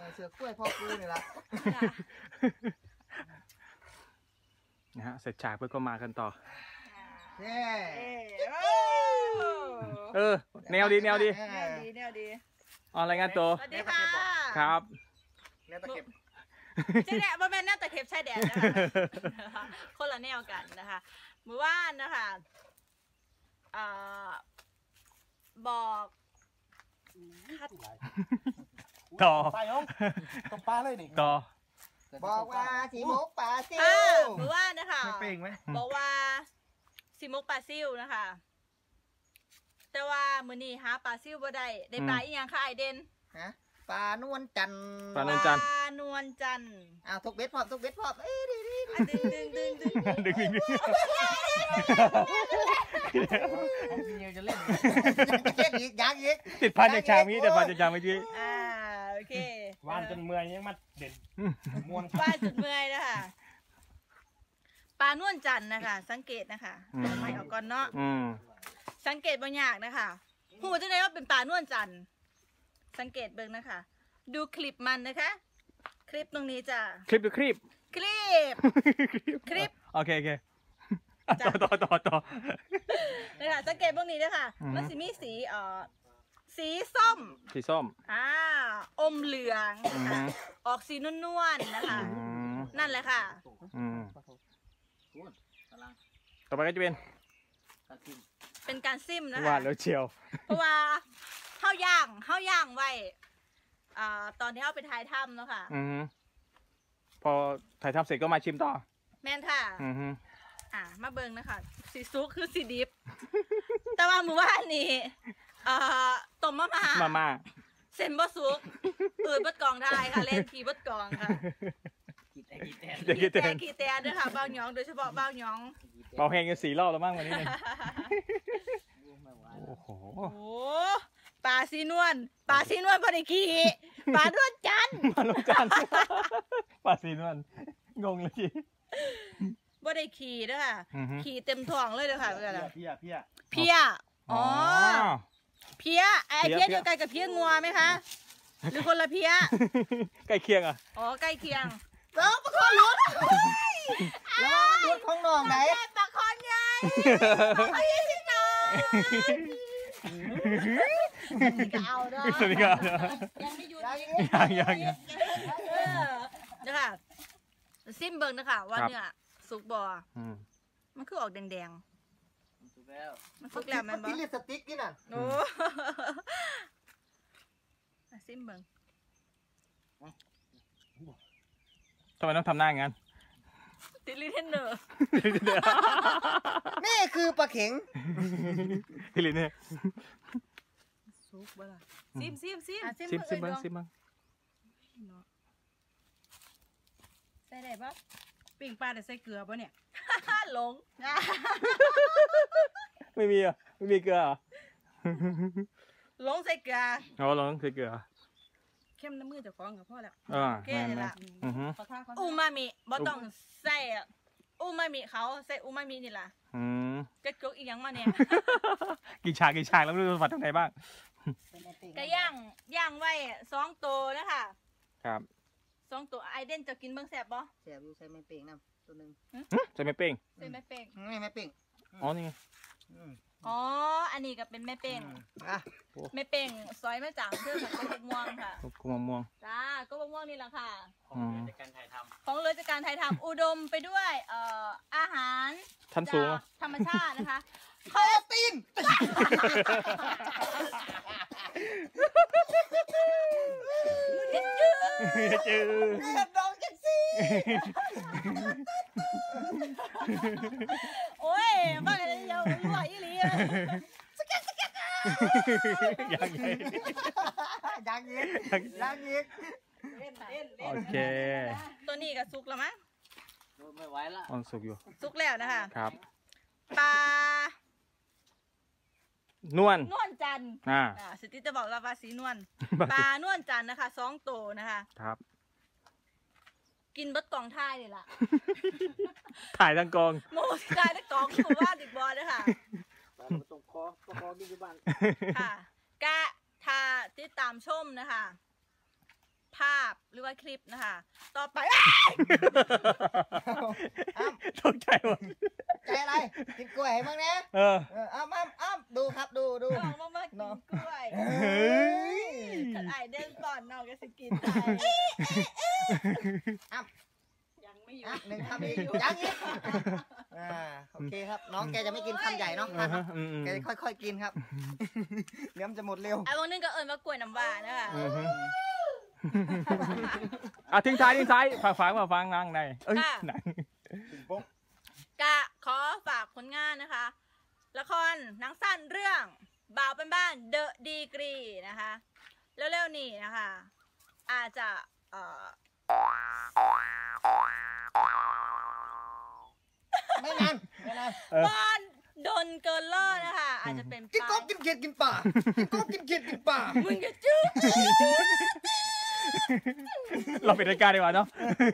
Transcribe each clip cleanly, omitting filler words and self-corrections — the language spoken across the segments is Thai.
เสือกล้วยพ่อกูนี่ละนะฮะเสร็จฉากเพื่อก็มากันต่อแนวดีแนวดีอะไรายงานตัวสวัสดีค่ะครับแนวตะเข็บใช่แดดบ่แม่นแนวตะเข็บใช่แดดนะคะคนละแนวกันนะคะเมื่อวานนะคะบอกคัดต่อไปน้องตกปลาเลยนี่ต่อบอกว่าสีมุกป่าซิวเมื่อวานนะคะไม่เป่งไหมบอกว่าซิมุกปลาซิวนะคะ แต่ว่ามื้อนี้หาปลาซิวบ่ได้ปลาอีหยังค่ะไอเด่นฮะปลานวลจันทร์ปลานวลจันทร์ปลานวลจันทร์อ้าวทุกเบ็ดพร้อมทุกเบ็ดพร้อมดึงจะเล่นอีกยังอีกติดพันจากฉากนี้แต่พันจากฉากเมื่อกี้โอเควานจนเมื่อยยังมาเด่นมวนปลาจุดเมื่อยนะคะปลานวลจันทร์นะคะ สังเกตนะคะไม่เอาก่อนเนาะสังเกตบางอย่างนะคะหูจะได้ว่าเป็นปลานวลจันทร์สังเกตเบิ่งนะคะ ดูคลิปมันนะคะ คลิปตรงนี้จะคลิปหรือคลิปคลิปโอเคต่อนะคะสังเกตพวกนี้นะคะมันสิมีสีส้มสีส้มอมเหลืองนะคะออกสีนวลๆนะคะนั่นแหละค่ะต่อไปก็จะเป็นการซิมนะคะวาดแล้วเชียวเพราะว่าข้าวย่างไว้ตอนที่เอาไปถ่ายถ้ำเนาะค่ะพอถ่ายทำเสร็จก็มาชิมต่อแม่นค่ะมาเบิ่งนะคะสีซุกคือสีดิบ แต่ว่ามื้อวานนี้ต้มมาม่าเส้นบ่ซุกอืดเบิดกองได้ค่ะเล่นขี่เบิดกองค่ะขี่แตนด้วยค่ะเบาหยองโดยเฉพาะเบาหยองเบาแห้งกัน4 รอบแล้วมั้งวันนี้เนี่ยโอ้โหปลาสีนวลพอดีขี่ปลานวลจันทร์ปลาสีนวลงงเลยจีบ่ได้ขี่ด้วยค่ะขี่เต็มท้องเลยด้วยค่ะเพี้ยอ๋อเพี้ยไอ้เพี้ยเดียวกันกับเพี้ยงัวไหมคะหรือคนละเพี้ยใกล้เคียงใกล้เคียงแล้วปลาคอนหลุดแล้วหลุดของน้องไหนปลาคอนใหญ่ปลาคอนใหญ่สิน้องเอาด้วยยังไม่หยุดยังนะคะซิมเบิงนะคะว่าเนื้อสุกบอมันคือออกแดงสุกแล้วมันสุกแล้วมันที่ลิปสติกนี่น่ะโอ้ซิมเบิงทำไมต้องทำหน้าอย่างนั้นติลิเทนเนอร์นี่คือปลาเข็งติลิเนี่ยซุกบ้าซิมบ้างใส่ได้ปะปิ้งปลาแต่ใส่เกลือปะเนี่ยหลงไม่มีเกลือหลงใส่เกลือหลงใส่เกลือเข้มน้ำมือจะฟ้องกับพ่อแล้วแค่นี้ละอูมามิบ่ต้องใส่อูมามิเขาใส่อูมามินี่ล่ะกระจกอีกอย่างมาเนี่ยกี่ฉากแล้วไม่รู้ฝัดตรงไหนบ้างก็ย่างไว้2 ตัวนะคะครับ 2 ตัวไอเด่นจะกินเบิ่งแซ่บบ่แซ่บอยู่ใส่ไม่เป่งน้ำตัวนึงใส่ไม่เป่งไม่เป่งอ๋อนี่อันนี้ก็เป็นแม่เป่งแม่เป่งซอยมาจากเพื่อนของกบม่วงค่ะกบม่วงจ้ากบม่วงนี่แหละค่ะของเรือจากการถ่ายทำอุดมไปด้วยอาหารชั้นสูงธรรมชาตินะคะโคตีนจืดดองจังสิโอ้ยบ้าเลยยังรวยอีหลีสเก็ตยังโอเคตัวนี้ก็สุกแล้วมั้งไม่ไหวละสุกอยู่สุกแล้วนะคะครับปลานวลจันทร์สติจะบอกเราปลาสีนวลปลานวลจันทร์นะคะ2 ตัวนะคะครับกินเบิดกองท่ายเลยล่ะถ่ายทั้งกองโมถ่ายทั้งกองคือว่าดิบบอลนะคะตรงคอมีอยู่บ้างค่ะกะทาติดตามชมนะคะภาพหรือว่าคลิปนะคะ ต่อไปตกใจหมดใจอะไรกินกล้วยให้มั้งนะเอออ้ำดูครับดูน้องมากินกล้วยเฮ้ยขันไอเดินก่อนน้องก็สกินไปยังไม่อยู่หนึ่งคำอีกยังอีกโอเคครับน้องแกจะไม่กินคำใหญ่เนาะแกจะค่อยๆกินครับเดี๋ยวมันจะหมดเร็วไอ้พวกนึงก็เอิญว่ากล้วยน้ำว้านะคะทิ้งท้ายฟังนั่งในเอ้ยหนังกะขอฝากผลงานนะคะ ละครหนังสั้นเรื่องบ่าวเป็นบ้านเดอะดีกรีนะคะเร็วๆนี้นะคะ อาจจะไม่นานบอนดนเกินล่อนะคะ อาจจะเป็นกินกบกินเขียดกินป่ากินกบกินเขียดกินป่ามึงจะจื้อเราปิดรายการดีกว่าเนาะ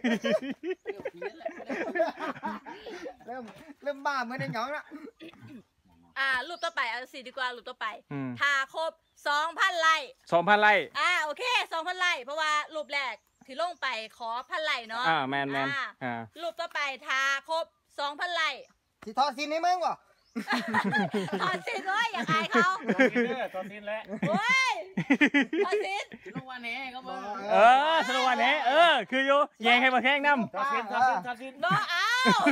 เริ่มบ้าเหมือนในหยองละรูปต่อไปเอาสิดีกว่ารูปต่อไปถ้าครบ 2,000 ไลค์ 2,000 ไร่โอเค 2,000 ไลค์เพราะว่ารูปแรกที่ลงไปขอ1,000 ไลค์เนาะแมนรูปต่อไปถ้าครบ 2,000 ไลค์สิทอสินให้มึงวะถอดสินด้วยอย่าอายเขาตอนสิ้นแล้วโอ้ยถอดสินลงวันนี้ก็บอกสนุกวันนี้คืออยู่แยงให้มาแข่งน้ำตอนสิ้นบ่เอา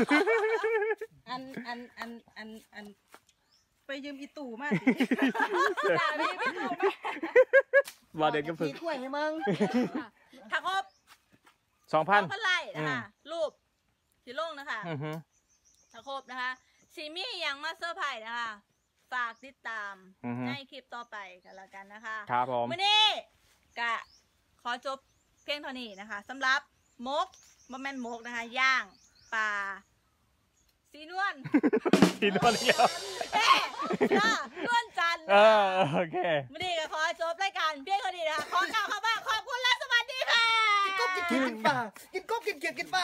อันไปยืมอีตู่มาสิด่าพี่ไม่ตู่มาว่าเด็กก็ฝึกถ้วยให้มึงถ้าครบ 2,000 ไลค์นะคะรูปที่ลงนะคะถ้าครบนะคะซีมี่ยังมาเซอร์ไพรส์นะคะฝากติดตามในคลิปต่อไปกันแล้วกันนะคะครับผมวันนี้กะขอจบเพียงเท่านี้นะคะสำหรับมกบะแมนมกนะคะย่างปลาสีนวลสีนวลเดียวนวลจันทร์โอเควันนี้ก็ขอจบรายการเพียงเท่านี้นะคะขอกล่าวคำว่าขอบคุณและสวัสดีค่ะกินกบกินเขียดกินป่ากินกบกินเขียดกินป่า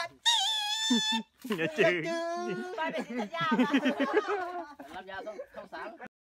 อย่าจืดไปเป็นสัญญารับยาต้องสาม